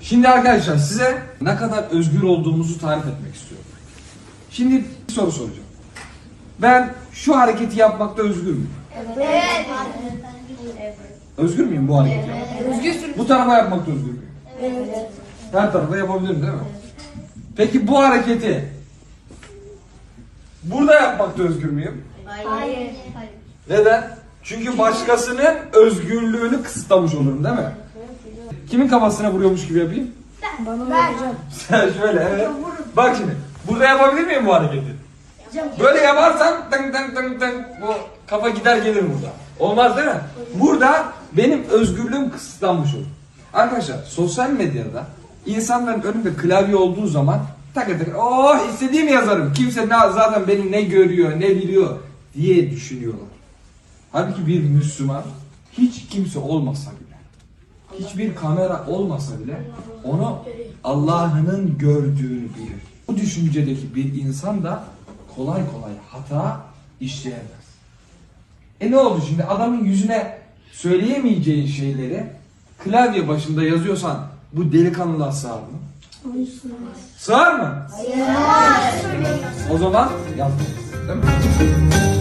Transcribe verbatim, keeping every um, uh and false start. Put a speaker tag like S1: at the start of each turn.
S1: Şimdi arkadaşlar size ne kadar özgür olduğumuzu tarif etmek istiyorum. Şimdi bir soru soracağım. Ben şu hareketi yapmakta özgür müyüm?
S2: Evet.
S1: Özgür müyüm bu hareketi yapmakta?
S2: Özgürsün.
S1: Bu tarafa yapmakta özgür müyüm?
S2: Evet.
S1: Her tarafa yapabilirim değil mi? Peki bu hareketi burada yapmakta özgür müyüm?
S2: Hayır.
S1: Neden? Çünkü başkasının özgürlüğünü kısıtlamış olurum değil mi? Kimin kafasına vuruyormuş gibi yapayım?
S2: Bana hocam.
S1: Sen şöyle evet. Bak şimdi burada yapabilir miyim bu hareketi? Böyle yaparsam tın tın tın tın bu kafa gider gelir burada. Olmaz değil mi? Burada benim özgürlüğüm kısıtlanmış olur. Arkadaşlar sosyal medyada insanların önünde klavye olduğu zaman takır takır oh istediğimi yazarım. Kimse ne, zaten beni ne görüyor ne biliyor diye düşünüyorlar. Halbuki bir Müslüman hiç kimse olmasa bile, hiçbir kamera olmasa bile onu Allah'ın gördüğünü bilir. Bu düşüncedeki bir insan da kolay kolay hata işleyemez. E ne oldu şimdi adamın yüzüne söyleyemeyeceğin şeyleri klavye başında yazıyorsan bu delikanlılığa sığar mı? Sığar mı?
S2: Hayır.
S1: O zaman yapmayız. Değil mi?